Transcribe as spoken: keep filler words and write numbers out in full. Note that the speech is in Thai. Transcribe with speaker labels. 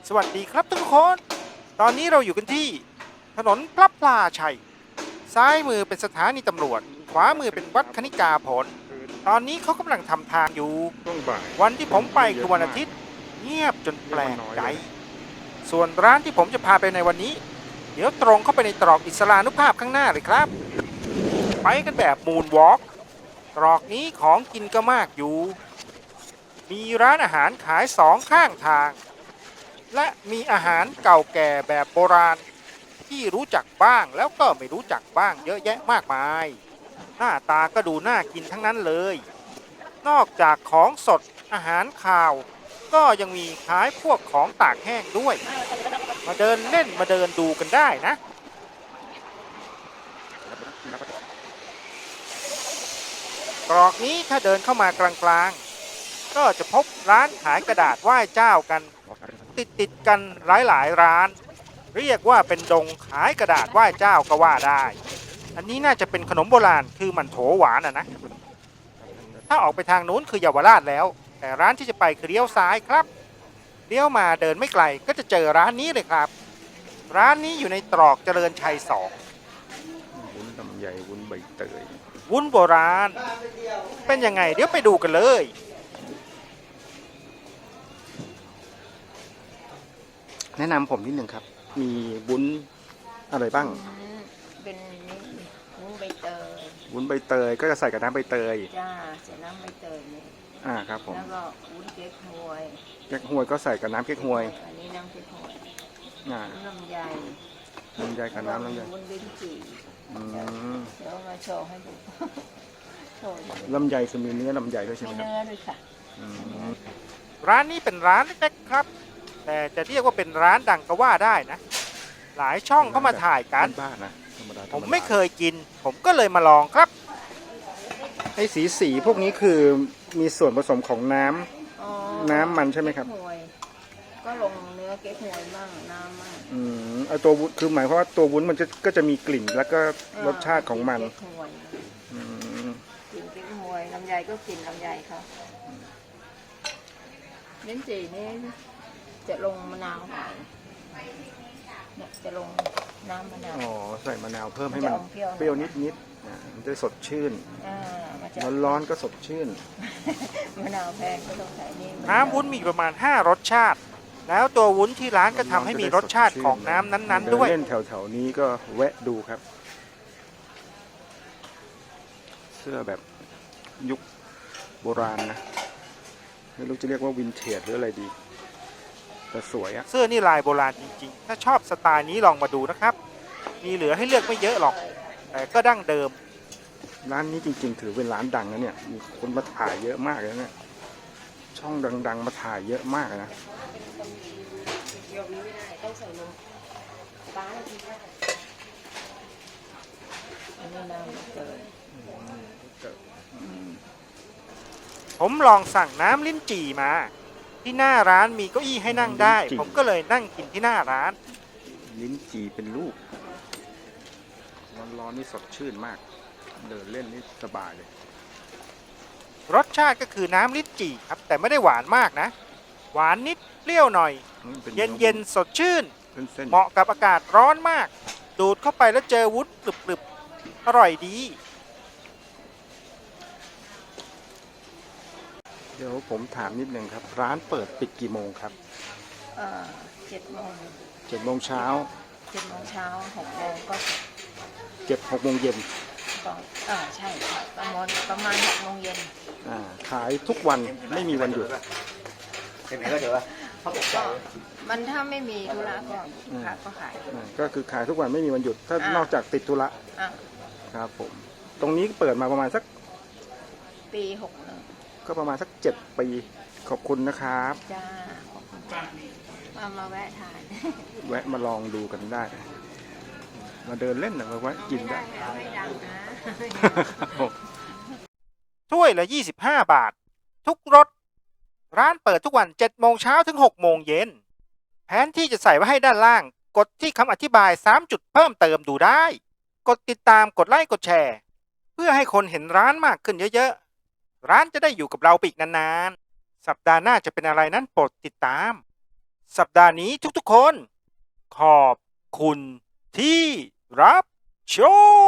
Speaker 1: สวัสดีครับทุกคน ตอนนี้เราอยู่กันที่ถนนพระพลาชัย ซ้ายมือเป็นสถานีตำรวจ ขวามือเป็นวัดคณิกาผล ตอนนี้เขากำลังทำทางอยู่ วันที่ผมไปคือวันอาทิตย์ เงียบจนแปลกใจ ส่วนร้านที่ผมจะพาไปในวันนี้ เดี๋ยวตรงเข้าไปในตรอกอิสลานุภาพข้างหน้าเลยครับ ไปกันแบบมูนวอล์กตรอกนี้ของกินก็มากอยู่ มีร้านอาหารขายสองข้างทาง และมีอาหารเก่าแก่แบบโบราณ ที่รู้จักบ้างแล้วก็ไม่รู้จักบ้างเยอะแยะมากมาย หน้าตาก็ดูน่ากินทั้งนั้นเลย นอกจากของสดอาหารคาว ก็ยังมีขายพวกของตากแห้งด้วย มาเดินเล่นมาเดินดูกันได้นะตรอกนี้ถ้าเดินเข้ามากลางๆก็จะพบร้านขายกระดาษไหว้เจ้ากัน ติดติดกันหลายหลายร้าน เรียกว่าเป็นดงขายกระดาษไหว้เจ้าก็ว่าได้ อันนี้น่าจะเป็นขนมโบราณคือมันโถหวานอ่ะนะ ถ้าออกไปทางนู้นคือเยาวราชแล้ว แต่ร้านที่จะไปคือเลี้ยวซ้ายครับเลี้ยวมาเดินไม่ไกลก็จะเจอร้านนี้เลยครับ ร้านนี้อยู่ในตรอกเจริญชัยสอง
Speaker 2: วุ้นลำไยวุ้นใบเตย
Speaker 1: วุ้นโบราณ เป็นยังไงเดี๋ยวไปดูกันเลย
Speaker 2: แนะนำผมนิดหนึ่งครับมีวุ้นอะไรบ้าง
Speaker 3: เป็นวุ้นใบเตย
Speaker 2: วุ้นใบเตยก็จะใส่กับน้ำใบเตย
Speaker 3: จ้าใส่น้ำใบเตยนี่
Speaker 2: อ่าครับผม
Speaker 3: แล้วก็วุ้นเก๊กฮวย
Speaker 2: เก๊กฮวยก็ใส่กับน้ำเก๊กฮวย
Speaker 3: อันนี้น้ำเก๊กฮวย
Speaker 2: อ่า
Speaker 3: ลำไย
Speaker 2: ลำไยกับน้ำลำไย
Speaker 3: วุ้นลิ้นจี่
Speaker 2: อืม
Speaker 3: เดี๋ยวมาโชว์ให้ดูโชว์
Speaker 2: ลำไยคือมีเนื้อลำไยด้วยใช่ไหม
Speaker 3: มี
Speaker 2: ครับ
Speaker 3: เนื้อด้วยค่ะ
Speaker 1: ร้านนี้เป็นร้านเล็กๆครับ แต่จะเรียกว่าเป็นร้านดังก็ว่าได้นะ หลายช่องเข้ามาถ่ายกัน
Speaker 2: บ้านนะ
Speaker 1: ผมไม่เคยกิน ผมก็เลยมาลองครับ
Speaker 2: ไอ้สีสีพวกนี้คือมีส่วนผสมของน้ำน้ำมันใช่ไหมครับ
Speaker 3: ก็ลงเนื้อเก๊กฮวยบ้างน้ำบ้าง
Speaker 2: อืมไอตัววุ้นคือหมายความว่าตัววุ้นมันจะก็จะมีกลิ่นแล้วก็รสชาติของมัน
Speaker 3: อืมกลิ่นเก๊กฮวยลำไยก็กลิ่นลำไยเขาลิ้นจี่นี่จะลงมะนาวหน่อยเนี่ยจะลงน้ำมะนาว
Speaker 2: อ๋อใส่มะนาวเพิ่มให้มันเปรี้ยวนิดนิดมันจะสดชื่นร้อนร้อนก็สดชื่น
Speaker 3: มะนาวแพงก็ต้องใส่นี่
Speaker 1: น้ำวุ้นมีประมาณห้ารสชาติ แล้วตัววุ้นที่ร้านก็ทำให้มีรสชาติของน้ำนั้นๆด้วย
Speaker 2: เล่นแถวๆนี้ก็แวะดูครับ เสื้อแบบยุคโบราณนะไม่รู้จะเรียกว่าวินเทจหรืออะไรดีแต่สวยอะ
Speaker 1: เสื้อนี่ลายโบราณจริงๆถ้าชอบสไตล์นี้ลองมาดูนะครับมีเหลือให้เลือกไม่เยอะหรอกแต่ก็ดั้งเดิม
Speaker 2: ร้านนี้จริงๆถือเป็นร้านดังนะเนี่ยมีคนมาถ่ายเยอะมากเลยเนี่ยช่องดังๆมาถ่ายเยอะมากนะ
Speaker 1: ผมลองสั่งน้ำลิ้นจี่มาที่หน้าร้านมีเก้าอี้ให้นั่งได้ผมก็เลยนั่งกินที่หน้าร้าน
Speaker 2: ลิ้นจี่เป็นลูกร้อนๆนี่สดชื่นมากเดินเล่นนี่สบายเลย
Speaker 1: รสชาติก็คือน้ำลิ้นจี่ครับแต่ไม่ได้หวานมากนะหวานนิดเปรี้ยวหน่อยเย็นๆสดชื่นเหมาะกับอากาศร้อนมากดูดเข้าไปแล้วเจอวุ้นกรึบๆอร่อยดี
Speaker 2: เดี๋ยวผมถามนิดนึงครับร้านเปิดปิดกี่โมงครับ
Speaker 3: เออเจ็ดโมง
Speaker 2: เจ็ดโมงเช้า
Speaker 3: เจ็ดโมงเช้าหกโมงก็
Speaker 2: เก็บหกโมงเย็น
Speaker 3: ก็อ่าใช่ประมาณประมาณหกโมงเย็น
Speaker 2: อ่าขายทุกวันไม่มีวันหยุด
Speaker 1: เห็นไหมก็เดี๋ยวว่าเขาบอกว่า
Speaker 3: มันถ้าไม่มีธุระก็ขายก็ขาย
Speaker 2: ก็คือขายทุกวันไม่มีวันหยุดถ้านอกจากติดธุระครับผมตรงนี้เปิดมาประมาณสัก
Speaker 3: ปีหกหนึ่ง
Speaker 2: ก็ประมาณสักเจ็ดปีขอบคุณนะครับ
Speaker 3: จ้าขอบคุณจ้ามามาแวะทาน
Speaker 2: แวะมาลองดูกันได้มาเดินเล่นนะมาแวะกินได้
Speaker 1: ถ้วยละยี่สิบห้าบาททุกรสร้านเปิดทุกวันเจ็ดโมงเช้าถึงหกโมงเย็นแผนที่จะใส่ไว้ให้ด้านล่างกดที่คำอธิบายสามจุดเพิ่มเติมดูได้กดติดตามกดไลค์กดแชร์เพื่อให้คนเห็นร้านมากขึ้นเยอะๆร้านจะได้อยู่กับเราไปอีกนานๆสัปดาห์หน้าจะเป็นอะไรนั้นโปรดติดตามสัปดาห์นี้ทุกๆคน ขอบคุณที่รับชม